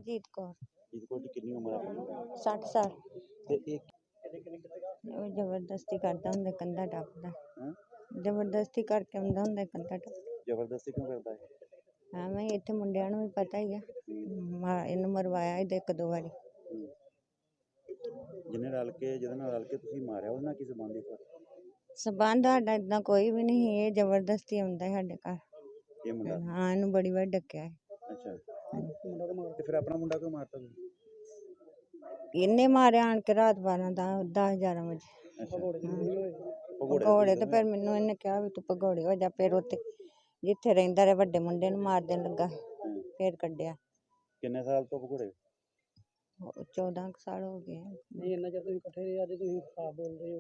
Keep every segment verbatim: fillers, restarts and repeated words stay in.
ਜੀਤ ਕੌਰ। ਜੀਤ ਕੌਰ ਜੀ ਕਿੰਨੀ ਉਮਰ ਹੈ ਆਪਣੀ? ਸੱਠ ਸਾਲ। ਤੇ ਇਹ ਉਹ ਜ਼ਬਰਦਸਤੀ ਕਰਦਾ ਹੁੰਦਾ, ਕੰਧਾ ਟੱਪਦਾ। ਹਾਂ ਜ਼ਬਰਦਸਤੀ ਕਰਕੇ ਆਉਂਦਾ ਹੁੰਦਾ, ਕੰਧਾ ਟੱਪ। ਜ਼ਬਰਦਸਤੀ ਕਿਉਂ ਕਰਦਾ ਹੈ? ਐਵੇਂ ਹੀ ਇੱਥੇ ਮੁੰਡਿਆਂ ਨੂੰ ਵੀ ਪਤਾ ਹੀ ਆ। ਮਾ- ਇਹਨੂੰ ਮਰਵਾਇਆ ਹੀ ਇੱਕ ਦੋ ਵਾਰੀ। ਹੂੰ। ਜਿਹਨੇ ਰਲ ਕੇ ਜਿਹਦੇ ਨਾਲ ਰਲ ਕੇ ਤੁਸੀਂ ਮਾਰਿਆ ਉਹਦੇ ਨਾਲ ਕੀ ਸੰਬੰਧ ਹੈ? ਸਬੰਧ ਸਾਡਾ ਏਦਾਂ ਕੋਈ ਵੀ ਨਹੀਂ। ਇਹ ਜ਼ਬਰਦਸਤੀ ਆਉਂਦਾ ਸਾਡੇ ਘਰ। ਇਹ ਮੁੰਡਾ? ਹਾਂ, ਇਹਨੂੰ ਬੜੀ ਵਾਰ ਡੱਕਿਆ ਹੈ। ਅੱਛਾ। ਤੇ ਫਿਰ ਆਪਣਾ ਮੁੰਡਾ ਕਿਉਂ ਮਾਰਤਾ ਤੁਸੀਂ? ਇਹਨੇ ਮਾਰਿਆ ਆਣ ਕੇ ਰਾਤ ਬਾਰਾਂ ਦਾ ਦਸ ਗਿਆਰਾਂ ਵਜੇ। ਅੱਛਾ। ਭਗੌੜੇ ਤੇ ਫਿਰ ਮੈਨੂੰ ਇਹਨੇ ਕਿਹਾ ਵੀ ਤੂੰ ਭਗੌੜੇ ਹੋ ਜਾ। ਫਿਰ ਉੱਥੇ ਜਿੱਥੇ ਰਹਿੰਦਾ ਰਿਹਾ ਵੱਡੇ ਮੁੰਡੇ ਨੂੰ ਮਾਰ ਦੇਣ ਲੱਗਾ, ਫਿਰ ਕੱਢਿਆ। ਕਿੰਨੇ ਸਾਲ ਤੋਂ ਭਗੌੜੇ? ਚੌਦਾਂ ਕੁ ਸਾਲ ਹੋ ਗਏ। ਨਹੀਂ ਇੰਨਾ ਚਿਰ ਤੁਸੀਂ ਇਕੱਠੇ ਰਹੇ, ਅੱਜ ਤੁਸੀਂ ਖਰਾਬ ਬੋਲ ਰਹੇ ਹੋ।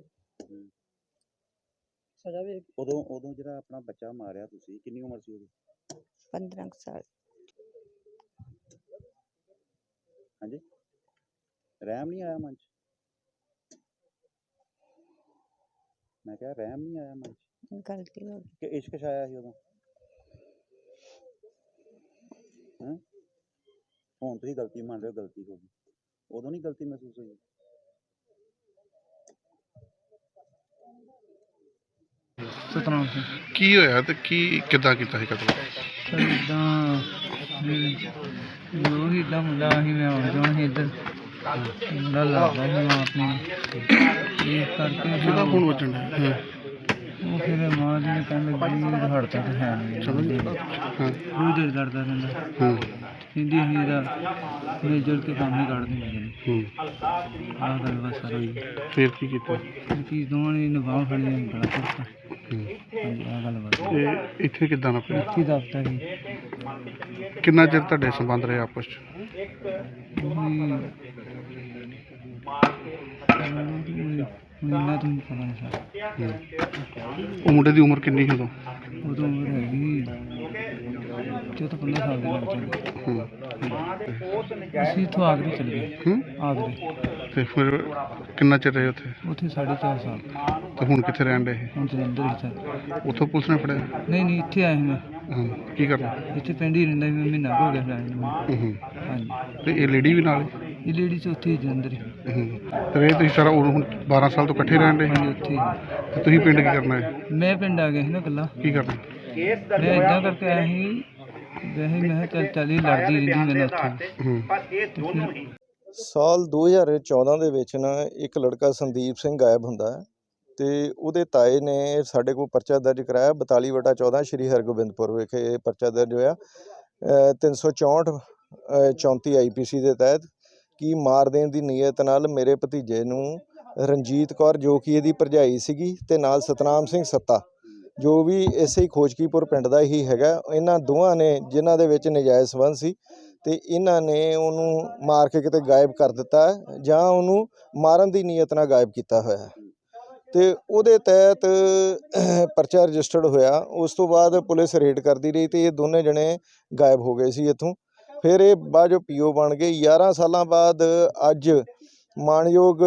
ਸਜ਼ਾ ਵੀ ਉਦੋਂ ਉਦੋਂ ਜਿਹੜਾ ਆਪਣਾ ਬੱਚਾ ਮਾਰਿਆ ਤੁਸੀਂ, ਕਿੰਨੀ ਉਮਰ ਸੀ ਉਹਦੀ? ਪੰਦਰਾਂ ਕੁ ਸਾਲ। ਹਾਂਜੀ। ਰਹਿਮ ਨਹੀਂ ਆਇਆ ਮਨ 'ਚ? ਮੈਂ ਕਿਹਾ ਰਹਿਮ ਨਹੀਂ ਆਇਆ ਮਨ 'ਚ? ਗਲਤੀ ਹੋ ਗਈ। ਕਿ ਇਸ਼ਕ ਛਾਇਆ ਸੀ ਉਦੋਂ? ਹਾਂ, ਹੁਣ ਤੁਸੀਂ ਗਲਤੀ ਮੰਨ ਰਹੇ ਹੋ, ਗਲਤੀ ਹੋ ਗਈ। ਉਦੋਂ ਨਹੀਂ ਗਲਤੀ ਮਹਿਸੂਸ ਹੋਈ? ਸਤਨਾਮ ਸਿੰਘ। ਕੀ ਹੋਇਆ ਤੇ ਕੀ ਕਿੱਦਾਂ ਕੀਤਾ ਸੀ ਕਤਲ? ਸਰ ਇੱਦਾਂ ਜੋ ਹੀ ਇੱਦਾਂ ਮੁੰਡਾ ਸੀ, ਮੈਂ ਆਉਂਦਾ ਸੀ ਇੱਧਰ, ਮੁੰਡਾ ਲੱਗਦਾ ਸੀ ਮਾਂ ਆਪਣੀ, ਇਸ ਕਰਕੇ ਕਿਹਦਾ ਫੋਨ ਵੱਜਣ ਡਿਆ? ਉਹ ਫਿਰ ਮਾਂ ਜੀ ਨੇ ਕਹਿਣ ਲੱਗੀ ਹੜਤਾ ਤਾਂ ਹੈ ਨਹੀਂ, ਹਾਂ ਰੋਜ਼ ਦਿਲ ਲੜਦਾ ਰਹਿੰਦਾ। ਹਾਂ ਕਹਿੰਦੀ ਅਸੀਂ ਇਹਦਾ ਮੇਜਰ ਕੇ ਕੰਮ ਹੀ ਕੱਢ ਦਿੰਦੇ ਨੇ। ਹੂੰ। ਆਹ ਗੱਲ ਬਸ ਸਰ ਹੋਈ। ਫਿਰ ਕੀ ਕੀਤਾ? ਕੀ ਦੋਵਾਂ ਨੇ ਨਿਭਾਅ ਫੜੀ ਨੇ ਗਲਾ ਘੁੱਟਤਾ। ਹੂੰ। ਹਾਂਜੀ, ਆਹ ਗੱਲ ਬਸ। ਤੇ ਇੱਥੇ ਕਿੱਦਾਂ ਨਾ ਪਿਆ? ਇੱਥੇ ਦਫ਼ਤਰ ਸੀ। ਕਿੰਨਾ ਚਿਰ ਤੁਹਾਡੇ ਸੰਬੰਧ ਰਹੇ ਆਪਸ 'ਚ? ਮਹੀਨਾ ਤੋਂ ਪਤਾ ਨਹੀਂ ਸਰ। ਹੂੰ। ਉਹ ਮੁੰਡੇ ਦੀ ਉਮਰ ਕਿੰਨੀ ਸੀ ਉਦੋਂ? ਉਦੋਂ ਉਮਰ ਹੈਗੀ ਚੌਦਾਂ ਪੰਦਰਾਂ ਸਾਲ ਦੇ ਲੱਗ ਜਾਂਦੇ। ਹੂੰ। ਅਸੀਂ ਇੱਥੋਂ ਆਗਰੇ ਚਲੇ ਗਏ। ਹੂੰ। ਆਗਰੇ। ਤੇ ਫਿਰ ਕਿੰਨਾ ਚਿਰ ਰਹੇ ਉੱਥੇ? ਉੱਥੇ ਸਾਢੇ ਚਾਰ ਸਾਲ। ਤੇ ਹੁਣ ਕਿੱਥੇ ਰਹਿਣ ਡਏ? ਹੁਣ ਜਲੰਧਰ ਹੀ ਸਰ। ਉੱਥੋਂ ਪੁਲਿਸ ਨੇ ਫੜਿਆ? ਨਹੀਂ ਨਹੀਂ, ਇੱਥੇ ਆਏ ਸੀ ਮੈਂ। ਹਾਂ। ਕੀ ਕਰਨਾ? ਇੱਥੇ ਪਿੰਡ ਹੀ ਰਹਿੰਦਾ ਸੀ ਮੈਂ, ਮਹੀਨਾ ਕੁ ਹੋ ਗਿਆ ਰਹਿਣ ਨੂੰ। ਹੂੰ। ਹਾਂਜੀ। ਤੇ ਇਹ ਲੇਡੀ ਵੀ ਨਾਲ? ਇਹ ਲੇਡੀ 'ਚ ਉੱਥੇ ਹੀ ਜਲੰਧਰ ਹੀ। ਹੂੰ। ਤੇ ਇਹ ਤੁਸੀਂ ਸਾਰਾ ਉਦੋਂ ਹੁਣ ਬਾਰਾਂ ਸਾਲ ਤੋਂ ਇਕੱਠੇ ਰਹਿਣ ਡਏ? ਹਾਂਜੀ, ਉੱਥੇ ਹੀ। ਤੇ ਤੁਸੀਂ ਪਿੰਡ ਕੀ ਕਰਨਾ ਹੈ? ਮੈਂ ਪਿੰਡ ਆ ਗਿਆ ਸੀ ਨਾ ਇਕੱਲਾ। ਕੀ ਕਰਨਾ? ਮੈਂ ਇੱਦਾਂ ਕਰਕੇ ਆਇਆ ਸੀ, ਵੈਸੇ ਮੈਂ ਕਿਹਾ ਚੱਲ ਚੱਲ ਹੀ ਲੜਦੀ ਰਹਿੰਦੀ ਮੇਰੇ ਨਾਲ ਉੱਥੇ। ਹੂੰ। ਸਾਲ ਦੋ ਹਜ਼ਾਰ ਚੌਦਾਂ ਦੇ ਵਿੱਚ ਨਾ ਇੱਕ ਲੜਕਾ ਸੰਦੀਪ ਸਿੰਘ ਗਾਇਬ ਹੁੰਦਾ ਹੈ ਅਤੇ ਉਹਦੇ ਤਾਏ ਨੇ ਸਾਡੇ ਕੋਲ ਪਰਚਾ ਦਰਜ ਕਰਾਇਆ ਬਤਾਲੀ ਵਟਾ ਚੌਦਾਂ ਸ਼੍ਰੀ ਹਰਗੋਬਿੰਦਪੁਰ ਵਿਖੇ ਇਹ ਪਰਚਾ ਦਰਜ ਹੋਇਆ ਤਿੰਨ ਸੌ ਚੌਂਹਠ ਚੌਂਤੀ ਆਈ ਪੀ ਸੀ ਦੇ ਤਹਿਤ ਕਿ ਮਾਰ ਦੇਣ ਦੀ ਨੀਅਤ ਨਾਲ ਮੇਰੇ ਭਤੀਜੇ ਨੂੰ ਰਣਜੀਤ ਕੌਰ ਜੋ ਕਿ ਇਹਦੀ ਭਰਜਾਈ ਸੀਗੀ ਅਤੇ ਨਾਲ ਸਤਨਾਮ ਸਿੰਘ ਸੱਤਾ ਜੋ ਵੀ ਇਸੇ ਹੀ ਖੋਜਕੀਪੁਰ ਪਿੰਡ ਦਾ ਹੀ ਹੈਗਾ, ਇਹਨਾਂ ਦੋਵਾਂ ਨੇ ਜਿਨ੍ਹਾਂ ਦੇ ਵਿੱਚ ਨਜਾਇਜ਼ ਸੰਬੰਧ ਸੀ ਅਤੇ ਇਹਨਾਂ ਨੇ ਉਹਨੂੰ ਮਾਰ ਕੇ ਕਿਤੇ ਗਾਇਬ ਕਰ ਦਿੱਤਾ ਜਾਂ ਉਹਨੂੰ ਮਾਰਨ ਦੀ ਨੀਅਤ ਨਾਲ ਗਾਇਬ ਕੀਤਾ ਹੋਇਆ ਅਤੇ ਉਹਦੇ ਤਹਿਤ ਪਰਚਾ ਰਜਿਸਟਰਡ ਹੋਇਆ। ਉਸ ਤੋਂ ਬਾਅਦ ਪੁਲਿਸ ਰੇਡ ਕਰਦੀ ਰਹੀ ਅਤੇ ਇਹ ਦੋਨੇ ਜਣੇ ਗਾਇਬ ਹੋ ਗਏ ਸੀ ਇੱਥੋਂ। ਫਿਰ ਇਹ ਬਾਅਦ ਜੋ ਪੀ ਓ ਬਣ ਗਏ। ਗਿਆਰਾਂ ਸਾਲਾਂ ਬਾਅਦ ਅੱਜ ਮਾਣਯੋਗ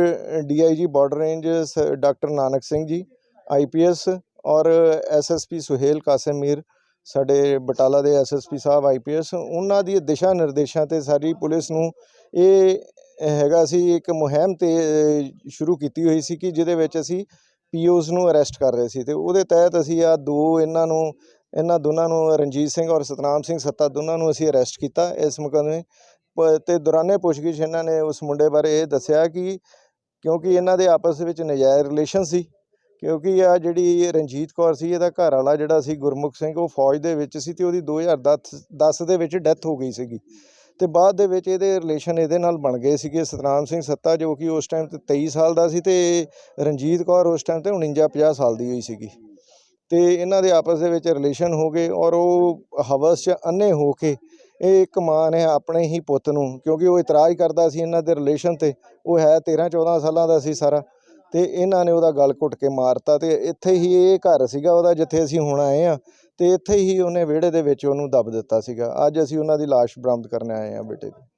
D I G border range ਸ doctor Nanak Singh ji I P S ਔਰ S S P Suhail Kasim Mir ਸਾਡੇ ਬਟਾਲਾ ਦੇ ਐਸ ਐਸ ਪੀ ਸਾਹਿਬ ਆਈ ਪੀ ਐਸ, ਉਹਨਾਂ ਦੀ ਦਿਸ਼ਾ ਨਿਰਦੇਸ਼ਾਂ 'ਤੇ ਸਾਰੀ ਪੁਲਿਸ ਨੂੰ ਇਹ ਹੈਗਾ ਸੀ ਇੱਕ ਮੁਹਿੰਮ ਤੇ ਸ਼ੁਰੂ ਕੀਤੀ ਹੋਈ ਸੀ ਕਿ ਜਿਹਦੇ ਵਿੱਚ ਅਸੀਂ ਪੀ ਓਜ਼ ਨੂੰ ਅਰੈਸਟ ਕਰ ਰਹੇ ਸੀ ਅਤੇ ਉਹਦੇ ਤਹਿਤ ਅਸੀਂ ਆਹ ਦੋ ਇਹਨਾਂ ਨੂੰ ਇਹਨਾਂ ਦੋਨਾਂ ਨੂੰ ਰਣਜੀਤ ਸਿੰਘ ਔਰ ਸਤਨਾਮ ਸਿੰਘ ਸੱਤਾ ਦੋਨਾਂ ਨੂੰ ਅਸੀਂ ਅਰੈਸਟ ਕੀਤਾ ਇਸ ਮੁਕੱਦਮੇ ਅਤੇ ਦੌਰਾਨੇ ਪੁੱਛਗਿੱਛ ਇਹਨਾਂ ਨੇ ਉਸ ਮੁੰਡੇ ਬਾਰੇ ਇਹ ਦੱਸਿਆ ਕਿ ਕਿਉਂਕਿ ਇਹਨਾਂ ਦੇ ਆਪਸ ਵਿੱਚ ਨਜਾਇਜ਼ ਰਿਲੇਸ਼ਨ ਸੀ, ਕਿਉਂਕਿ ਆ ਜਿਹੜੀ ਰਣਜੀਤ ਕੌਰ ਸੀ ਇਹਦਾ ਘਰ ਵਾਲਾ ਜਿਹੜਾ ਸੀ ਗੁਰਮੁਖ ਸਿੰਘ ਉਹ ਫੌਜ ਦੇ ਵਿੱਚ ਸੀ ਅਤੇ ਉਹਦੀ ਦੋ ਹਜ਼ਾਰ ਦਸ ਦਸ ਦੇ ਵਿੱਚ ਡੈਥ ਹੋ ਗਈ ਸੀਗੀ ਅਤੇ ਬਾਅਦ ਦੇ ਵਿੱਚ ਇਹਦੇ ਰਿਲੇਸ਼ਨ ਇਹਦੇ ਨਾਲ ਬਣ ਗਏ ਸੀਗੇ। ਸਤਨਾਮ ਸਿੰਘ ਸੱਤਾ ਜੋ ਕਿ ਉਸ ਟਾਈਮ 'ਤੇ ਤੇਈ ਸਾਲ ਦਾ ਸੀ ਅਤੇ ਰਣਜੀਤ ਕੌਰ ਉਸ ਟਾਈਮ 'ਤੇ ਉਣੰਜਾ ਪੰਜਾਹ ਸਾਲ ਦੀ ਹੋਈ ਸੀਗੀ ਅਤੇ ਇਹਨਾਂ ਦੇ ਆਪਸ ਦੇ ਵਿੱਚ ਰਿਲੇਸ਼ਨ ਹੋ ਗਏ ਔਰ ਉਹ ਹਵਸ 'ਚ ਅੰਨੇ ਹੋ ਕੇ ਇਹ ਇੱਕ ਮਾਂ ਨੇ ਆਪਣੇ ਹੀ ਪੁੱਤ ਨੂੰ, ਕਿਉਂਕਿ ਉਹ ਇਤਰਾਜ਼ ਕਰਦਾ ਸੀ ਇਹਨਾਂ ਦੇ ਰਿਲੇਸ਼ਨ 'ਤੇ, ਉਹ ਹੈ ਤੇਰ੍ਹਾਂ ਚੌਦ੍ਹਾਂ ਸਾਲਾਂ ਦਾ ਸੀ ਸਾਰਾ, ਅਤੇ ਇਹਨਾਂ ਨੇ ਉਹਦਾ ਗਲ ਘੁੱਟ ਕੇ ਮਾਰਤਾ ਅਤੇ ਇੱਥੇ ਹੀ ਇਹ ਘਰ ਸੀਗਾ ਉਹਦਾ ਜਿੱਥੇ ਅਸੀਂ ਹੁਣ ਆਏ ਹਾਂ ਅਤੇ ਇੱਥੇ ਹੀ ਉਹਨੇ ਵਿਹੜੇ ਦੇ ਵਿੱਚ ਉਹਨੂੰ ਦੱਬ ਦਿੱਤਾ ਸੀਗਾ। ਅੱਜ ਅਸੀਂ ਉਹਨਾਂ ਦੀ ਲਾਸ਼ ਬਰਾਮਦ ਕਰਨ ਆਏ ਹਾਂ ਬੇਟੇ ਦੀ।